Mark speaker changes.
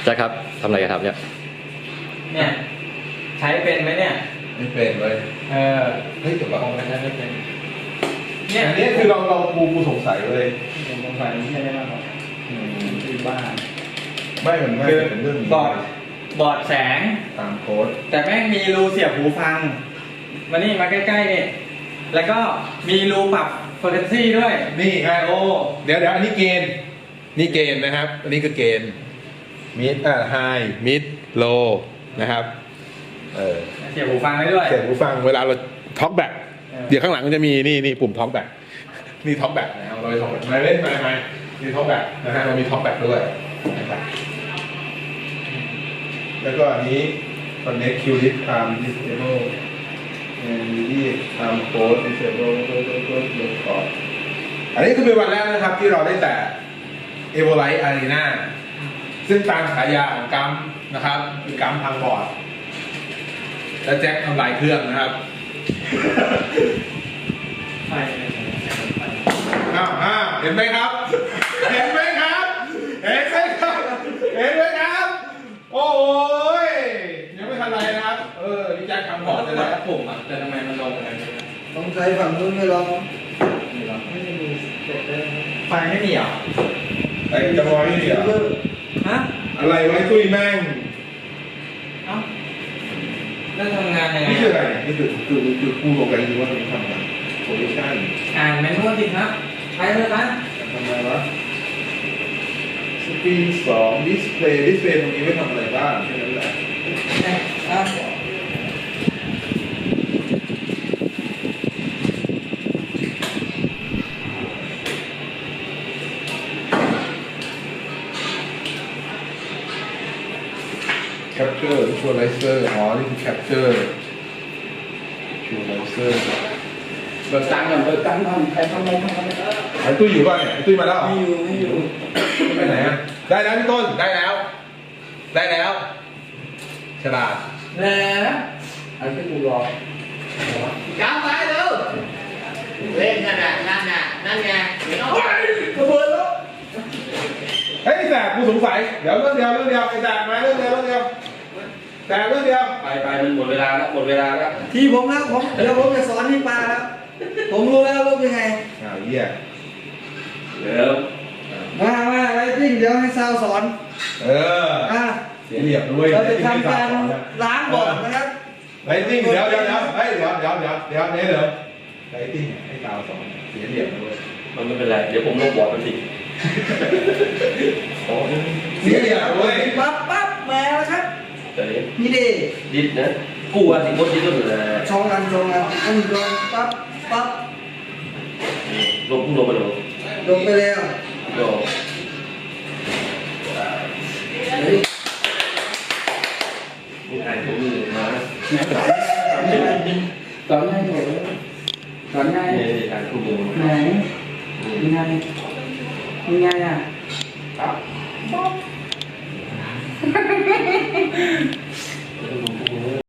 Speaker 1: แจ็คครับทำอะไรกันครับเนี่ย
Speaker 2: ใช้เป็นไหมเนี่ย
Speaker 3: ไม่เป็นเลยเฮ้ยแต่ว่า
Speaker 2: ไม่เป็น
Speaker 3: เนี่ยอันนี้คือเรากูสงสัยเลย
Speaker 2: ผมสงสัยไม่ใช่ได้มากกว่าคือบ้า
Speaker 3: ไม่เหมือนไม่เป็นเรื่อง
Speaker 2: บอร์ดแสง
Speaker 3: ตามโค้ด
Speaker 2: แต่แม่งมีรูเสียบหูฟังมานี่มาใกล้ๆนี่แล้วก็มีรูปรับเฟอร์เรนซี่ด้วย
Speaker 3: นี่ไงโอ้เดี๋ยวอันนี้เกณฑ์นี่เกณฑ์นะครับอันนี้คือเกณฑ์มิดไฮมิดโลนะครับ
Speaker 2: เสียบหูฟังได้ด้วย
Speaker 3: เสียบหูฟังเวลาเราท็อกแบ็กเดี๋ยวข้างหลังมันจะมีนี่ปุ่มท็อกแบ็กนี่ท็อกแบ็กนะครับเราท็อกแบ็กเล่นไปนี่ท็อกแบ็กนะฮะเรามีท็อกแบ็กด้วยนะครับแล้วก็อันนี้ connect qdip arm disable and read arm code disable อันนี้คือเป็นวันแรกนะครับที่เราได้แต่ Evolite Arena ซึ่งตามฉายาของกัมนะครับคือกัมพังบอร์ดและแจ็คทำลายเครื่องนะครับเห็นไหมครับเห็นไหมครับโอ้ยยังไม่ทันไรนะครับนี่แจ็คทำบอร์ดเลยนะ
Speaker 2: ผมแต่ทำไมมันลงอะไร
Speaker 4: ต้องใช้ฝั่งนู้นไม่ลอง
Speaker 2: ไม่มีไฟไม่มีเหรอ
Speaker 3: ไอ้จะมอยไม่มีเหรอ
Speaker 2: ฮะ
Speaker 3: อะไรไว้ตุ้ยแม่ง
Speaker 2: แล้วทำงานยังไง
Speaker 3: นี่คืออะไรนี่คือกูบอกกันจริงว่าตรงนี้ทำอะไรโพซิชั่น
Speaker 2: แมนนวลสิครับใช้เลยนะ
Speaker 3: ทำไมวะสกรีน2ดิสเพลย์ตรงนี้ไม่ทำอะไรบ้างแค่นั้นแหละCapture Visualizer นี่คือ Capture Visualizer
Speaker 4: เบิกตังค์ก่อนใครทำอะไร
Speaker 3: ไอ้ตุ้ยอยู่ป่ะเนี่ยไอ้ตุ้ยมาแล้ว
Speaker 4: ไม่อยู่
Speaker 3: ไปไหนอ่ะได้แล้วพี่ต้นได้แล้วฉลาด
Speaker 4: แล้วไอ้ที่กูรอก้าวไปเร็วเล่นนั่นไงขบวนแล้ว
Speaker 3: เฮ้ยแสบกูสงสัยเดี๋ยวเรื่องเดียวไอ้แสบมาเรื่องเดียวแต่เรื่องเดียว
Speaker 2: ไปมันหมดเวลาแล้ว
Speaker 4: ที่ผมนะเดี๋ยวผมจะสอนให้ปลาแล้วผมรู้แล้วว่าเป็นไง
Speaker 3: เหี้ย
Speaker 2: เดี๋ยว
Speaker 4: มาอะไรจริงเดี๋ยวให้ซาวสอน
Speaker 3: เสียเหลี่ยมด้วย
Speaker 4: เราจะทำการล้างบอร์ดนะครับ
Speaker 3: ไรติ้งเดี๋ยวไล่ติ้งให้ซาวสอนเสียเหลี่ยมด้วย
Speaker 2: มันไม่เป็นไรเดี๋ยวผมลงบอร์ดมันสิ
Speaker 3: เสียเหลี่ยมด้วย
Speaker 4: ปั๊บมาแล้วครับนี่ดิ
Speaker 2: ดนะกูว่าสิบคนดิดก็เหมือน
Speaker 4: ชงกันอันโดนปั๊บ
Speaker 2: ลงไปแล้วมีใครผมมีมา
Speaker 4: ตอนง่าย
Speaker 2: การคุมมือ
Speaker 4: ไหนยังไงอ่ะ
Speaker 2: ครับ